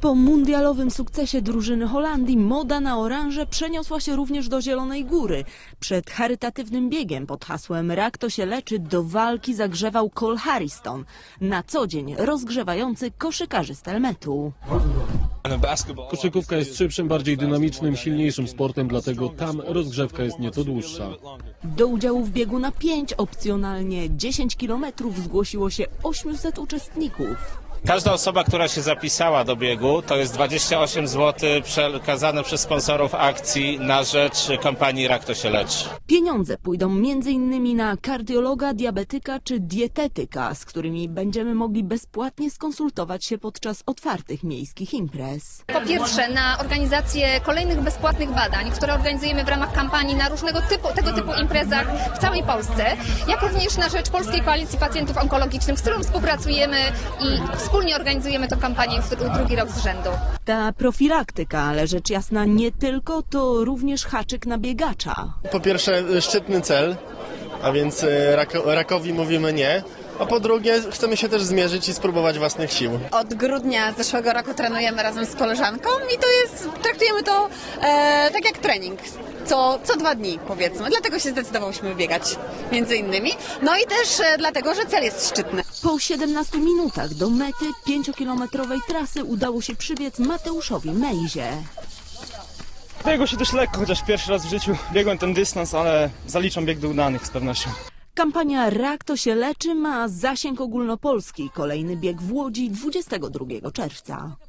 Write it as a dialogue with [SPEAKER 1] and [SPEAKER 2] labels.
[SPEAKER 1] Po mundialowym sukcesie drużyny Holandii moda na oranże przeniosła się również do Zielonej Góry. Przed charytatywnym biegiem pod hasłem Rak to się leczy do walki zagrzewał Cole Harriston, na co dzień rozgrzewający koszykarzy z Telmetu.
[SPEAKER 2] Koszykówka jest szybszym, bardziej dynamicznym, silniejszym sportem, dlatego tam rozgrzewka jest nieco dłuższa.
[SPEAKER 1] Do udziału w biegu na 5, opcjonalnie 10 km zgłosiło się 800 uczestników.
[SPEAKER 3] Każda osoba, która się zapisała do biegu, to jest 28 zł przekazane przez sponsorów akcji na rzecz kampanii Rak to się leczy.
[SPEAKER 1] Pieniądze pójdą m.in. na kardiologa, diabetyka czy dietetyka, z którymi będziemy mogli bezpłatnie skonsultować się podczas otwartych miejskich imprez.
[SPEAKER 4] Po pierwsze na organizację kolejnych bezpłatnych badań, które organizujemy w ramach kampanii na tego typu imprezach w całej Polsce, jak również na rzecz Polskiej Koalicji Pacjentów Onkologicznych, z którą współpracujemy i wspólnie organizujemy tę kampanię drugi rok z rzędu.
[SPEAKER 1] Ta profilaktyka, ale rzecz jasna nie tylko, to również haczyk na biegacza.
[SPEAKER 5] Po pierwsze szczytny cel, a więc rakowi mówimy nie. A po drugie chcemy się też zmierzyć i spróbować własnych sił.
[SPEAKER 6] Od grudnia zeszłego roku trenujemy razem z koleżanką i traktujemy to tak jak trening. Co 2 dni powiedzmy, dlatego się zdecydowałyśmy biegać między innymi. No i też dlatego, że cel jest szczytny.
[SPEAKER 1] Po 17 minutach do mety 5-kilometrowej trasy udało się przybiec Mateuszowi Mejzie.
[SPEAKER 7] Biegło się dość lekko, chociaż pierwszy raz w życiu biegłem ten dystans, ale zaliczam bieg do udanych z pewnością.
[SPEAKER 1] Kampania Rak to się leczy ma zasięg ogólnopolski. Kolejny bieg w Łodzi 22 czerwca.